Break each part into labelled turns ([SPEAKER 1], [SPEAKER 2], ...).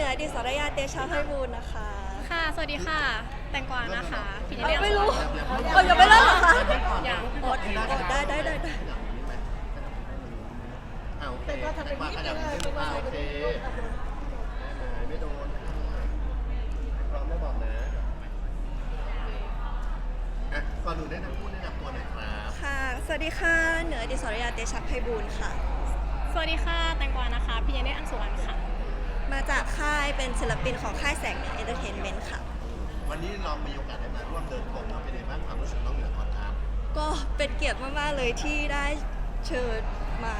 [SPEAKER 1] อดิสรยาเตชะไพบูลย์นะคะ
[SPEAKER 2] ค่ะสวัสดีค่ะ แตงกวานะคะพี่เรียก
[SPEAKER 1] ไม่รู้ยังไม่เริ่มเหรอคะ
[SPEAKER 2] อย่าง
[SPEAKER 1] อดได้
[SPEAKER 3] เอาเป็นก็ทำเป็นนิดนึงโอเคไม่โดนพร้อมแล้วบอกนะก่อนหนูได้ทั้งพูดแนะนำตัวหน่อยครับ
[SPEAKER 1] ค่ะสวัสดีค่ะเหนือดิสรยาเตชะไพบูลย์ค่ะ
[SPEAKER 2] สวัสดีค่ะแตงกวานะคะพี่เรียกอังสุวรรณค่ะ
[SPEAKER 1] มาจากค่ายเป็นศิลปินของค่ายแสงเหนือเอนเตอร์เทนเมนต์ค่ะ
[SPEAKER 3] วันนี้เรามีโอกาสได้มาร่วมเดินพรมเป็นยังไงบ้างความรู้สึกน้องเหนือก่อนครับ
[SPEAKER 1] ก็เป็นเกียรติมากๆเลยที่ได้เชิญมา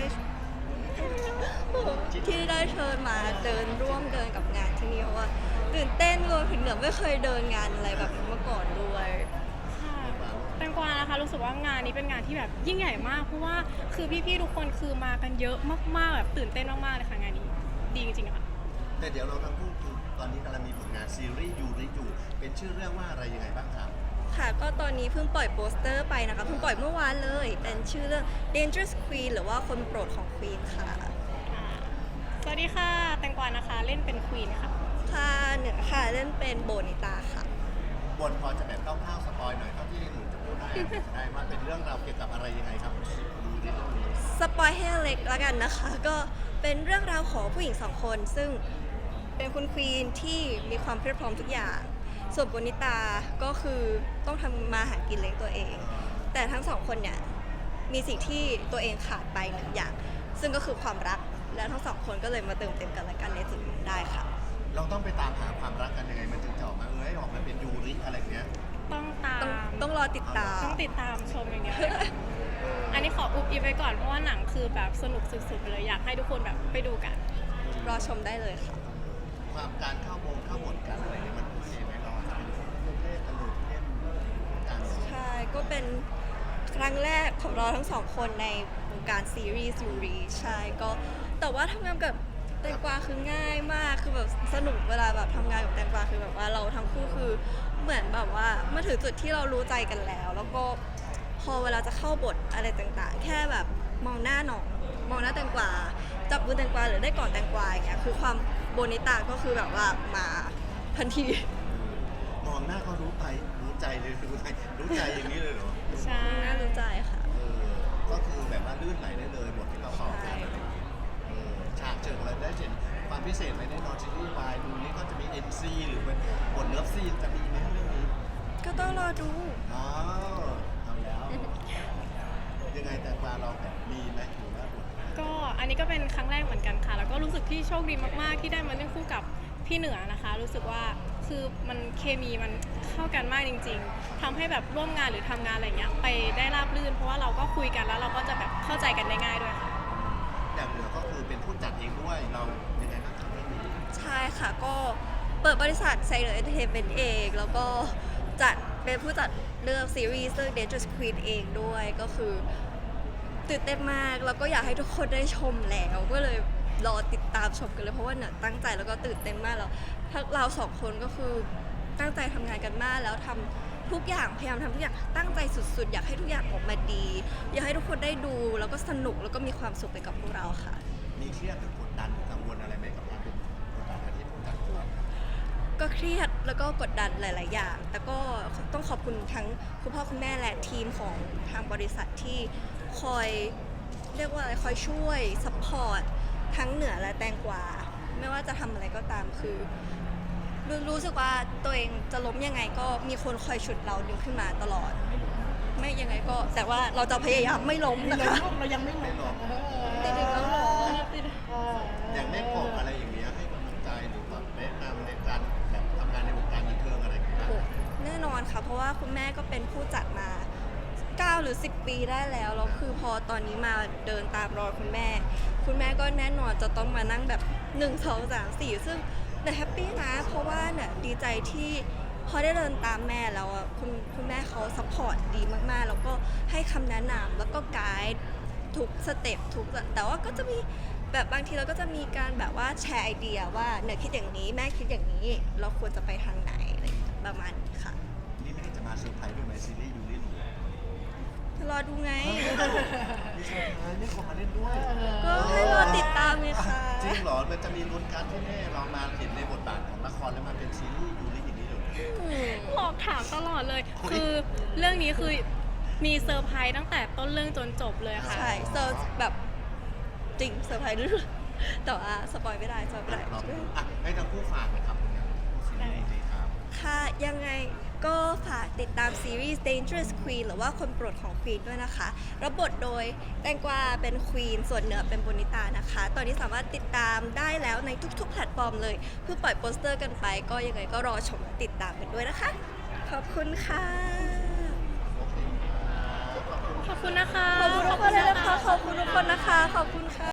[SPEAKER 1] เดินร่วมเดินกับงานที่นี่เพราะว่าตื่นเต้นรวมถึงเหนือไม่เคยเดินงานอะไรแบบนี้มาก่อนด้วย
[SPEAKER 2] ค่ะแตงกวานะคะรู้สึกว่างานนี้เป็นงานที่แบบยิ่งใหญ่มากเพราะว่าคือพี่ๆทุกคนคือมากันเยอะมากๆแบบตื่นเต้นมากๆเลยค่ะงานนี้ดีจริงๆค่ะ
[SPEAKER 3] แต่เดี๋ยวเราทั้งคู่คือตอนนี้กำลังมีผลงานซีรีส์ยูริอยู่เป็นชื่อเรื่องว่าอะไรยังไงบ้างครับ
[SPEAKER 1] ค่ะก็ตอนนี้เพิ่งปล่อยโปสเตอร์ไปนะคะเพิ่งปล่อยเมื่อวานเลย เป็นชื่อเรื่อง Dangerous Queen หรือว่าคนโปรดของ Queen ค่ะ
[SPEAKER 2] สวัสดีค่ะแตงกวานะคะเล่นเป็นควีนค่ะ
[SPEAKER 1] ค่ะเหนือค่ะเล่นเป็นโบนิตาค่ะ
[SPEAKER 3] บนพอจะแบบคร่าวๆสปอยหน่อยเท่าที่หนูจะพูดได้จะได้ว่าเป็นเรื่องราวเกี่ยวกับอะไรยังไงครับดูในเรื่องนี้
[SPEAKER 1] สปอยให้เล็กแล้วกันนะคะ ก็เป็นเรื่องราวของผู้หญิงสองคน ซึ่งเป็นคุณควีนที่มีความเพียบพร้อมทุกอย่าง ส่วนโบนิตาก็คือต้องทำมาหากินเลี้ยงตัวเอง แต่ทั้งสองคนเนี่ยมีสิ่งที่ตัวเองขาดไปหนึ่งอย่าง ซึ่งก็คือความรัก และทั้งสองคนก็เลยมาเติมเต็มกันและกันในจุดนี้ได้ค่ะ
[SPEAKER 3] เราต้องไปตามหาความรักกันยังไงมันถึงจะออกมาออกมาเป็นยูริอะไรเงี้ย
[SPEAKER 2] ต้องตาม
[SPEAKER 1] ต้องรอติดตาม
[SPEAKER 2] ต้องติดตามชมอย่างเดียวเลยค่ะอันนี้ขออุบอิบไว้ก่อนเพราะว่าหนังคือแบบสนุกสุดๆไปเลยอยากให้ทุกคนแบบไปดูกัน
[SPEAKER 1] รอชมได้เลยค่ะ
[SPEAKER 3] ความการเข้าบทกันอะไรเงี้ยมันโอเคไหมเราจะเป็นเล่นตลกเล่นการ
[SPEAKER 1] ใช่ ก็เป็นครั้งแรกของเราทั้งสองคนในวงการซีรีส์ยูรีใช่ก็แต่ว่าทำงานกับแตงกวาคือง่ายมากคือแบบสนุกเวลาแบบทำงานกับแตงกวาคือแบบว่าเราทั้งคู่คือเหมือนแบบว่ามาถึงจุดที่เรารู้ใจกันแล้ว แล้วก็พอเวลาจะเข้าบทอะไรต่างๆ แค่แบบมองหน้าน้องมองหน้าแตงกวาจับมือแตงกวาหรือได้กอดแตงกวาอย่างเงี้ยคือความโบนิตาก็คือแบบว่ามาทันที
[SPEAKER 3] มองหน้าก็รู้ใจเลยรู้ใจอย่างนี้เลยเหรอ
[SPEAKER 2] ใช่
[SPEAKER 1] น่ารู้ใจค่ะ
[SPEAKER 3] ก็คือแบบว่าลื่นไหลได้เลยบทที่เราต่อกันอะไรอย่างเงี้ยฉากเจออะไรได้เห็นความพิเศษไหมในนอนซีรีส์วายดูนี่ก็จะมี NC หรือเป็นบทเลิฟซีนจะมีไหมเรื่องนี้
[SPEAKER 1] ก็ต้องรอดู
[SPEAKER 3] อ๋อเอาแล้วยังไงแต่ปลาเราแบบมีไหมหรือว่าบท
[SPEAKER 2] ก็อันนี้ก็เป็นครั้งแรกเหมือนกันค่ะ แล้วก็รู้สึกที่โชคดีมากๆที่ได้มาเล่นคู่กับพี่เหนือนะคะ รู้สึกว่าคือมันเคมีมันเข้ากันมากจริงๆทำให้แบบร่วมงานหรือทำงานอะไรเงี้ยไปได้ราบรื่นเพราะว่าเราก็คุยกันแล้วเราก็จะแบบเข้าใจกันได้ง่ายด้วยค่ะ
[SPEAKER 3] อย่างเหนือก็คือเป็นผู้จัดเองด้วยเรายังไงบ้างครับเรื่องนี้
[SPEAKER 1] ใช่ค่ะก็เปิดบริษัทไซเนอร์เอนเตอร์เทนเมนต์เองแล้วก็จัดเป็นผู้จัดเรื่องซีรีส์เรื่อง Dangerous Queen เองด้วยก็คือตื่นเต้นมากแล้วก็อยากให้ทุกคนได้ชมแล้วก็เลยรอติดตามชมกันเลยเพราะว่าเนี่ยตั้งใจแล้วก็ตื่นเต้นมากแล้วทั้งเราสองคนก็คือตั้งใจทำงานกันมากแล้วทำทุกอย่างพยายามทำทุกอย่างตั้งใจสุดๆ อยากให้ทุกอย่างออกมาดี อยากให้ทุกคนได้ดูแล้วก็สนุกแล้วก็มีความสุขไปกับพวกเราค่ะ
[SPEAKER 3] มีเครียดหรือกดดันหรือกังวลอะไรไหมกับการเป็นผู้จัดที่ผู้จัดตัว
[SPEAKER 1] ก็เครียดแล้วก็กดดันหลาย ๆ อย่าง แต่ก็ต้องขอบคุณทั้งคุณพ่อคุณแม่และทีมของทางบริษัทที่คอยเรียกว่าอะไรคอยช่วยซัพพอร์ตทั้งเหนือและแตงกวาไม่ว่าจะทำอะไรก็ตามคือรู้สึกว่าตัวเองจะล้มยังไงก็มีคนคอยฉุดเราดึงขึ้นมาตลอด ไม่ยังไงก็แต่ว่าเราจะพยายามไม่ล้มนะคะ
[SPEAKER 4] เรายังไม่
[SPEAKER 3] ไม่หรอก
[SPEAKER 1] ติดอีกแล้วเหรอ
[SPEAKER 3] อย่างแม่กบอะไรอย่างเงี้ยให้กำลังใจหรือแบบแนะนำในการแบบทำงานในวงการบันเทิงอะไรอย่างเงี้ย
[SPEAKER 1] โอ้แน่นอนค่ะ เพราะว่าคุณแม่ก็เป็นผู้จัดมา9 หรือ 10 ปีได้แล้วแล้วคือพอตอนนี้มาเดินตามรอยคุณแม่ก็แน่นอนจะต้องมานั่งแบบ1 2 3 4ซึ่งเนี่ยแฮปปี้นะเพราะว่าเนี่ยดีใจที่พอได้เดินตามแม่แล้วอ่ะคุณแม่เขาซัพพอร์ตดีมากๆ แล้วก็ให้คำแนะนำแล้วก็ไกด์ทุกสเต็ปแต่ว่าก็จะมีแบบบางทีเราก็จะมีการแบบว่าแชร์ไอเดียว่าเนี่ยคิดอย่างนี้แม่คิดอย่างนี้เราควรจะไปทางไหนอะไรอย่างเงี้ยประมาณนี้ค่ะ
[SPEAKER 3] นี่ไม่ได้จะมาเซอร์ไพรส์ด้วยไหมซีรีส์ยูริหนู
[SPEAKER 1] รอดูไง
[SPEAKER 3] มีเซอร์ไพรส์นี่คนมาเล่นด้วย
[SPEAKER 1] ก็ให้รอติดตามเลยค่ะ
[SPEAKER 3] จริงเหรอ มันจะมีลุ้นการที่แม่เรามาเห็นในบทบาทของละครแล้วมาเป็นซีรีส์ยูริอย่างนี้เลย
[SPEAKER 2] หลอกถามตลอดเลย
[SPEAKER 3] โอ้ย
[SPEAKER 2] คือเรื่องนี้คือมีเซอร์ไพรส์ตั้งแต่ต้นเรื่องจนจบเลยค่ะ
[SPEAKER 1] ใช่เซอร์แบบจริงเซอร์ไพรส์ด้วยแต่ว่าสปอยไม่ได้สปอยไม่ได้
[SPEAKER 3] เราอ่ะให้ทั้งคู่ฝากนะครับผลงานคู่ซีรีส์นี้ครับ
[SPEAKER 1] ค่ะยังไงก็ฝากติดตามซีรีส์ Dangerous Queen หรือว่าคนโปรดของ Queen ด้วยนะคะรับบทโดยแตงกวาเป็น Queen ส่วนเหนือเป็นโบนิตานะคะ ตอนนี้สามารถติดตามได้แล้วในทุกๆ แพลตฟอร์มเลยเพิ่งปล่อยโปสเตอร์กันไป ก็ยังไงก็รอชมและติดตามกันด้วยนะคะ ขอบคุณค่ะ
[SPEAKER 2] ขอบคุณนะคะ
[SPEAKER 1] ขอบคุณทุกคนเลยนะคะ ขอบคุณทุกคนนะคะ ขอบคุณค่ะ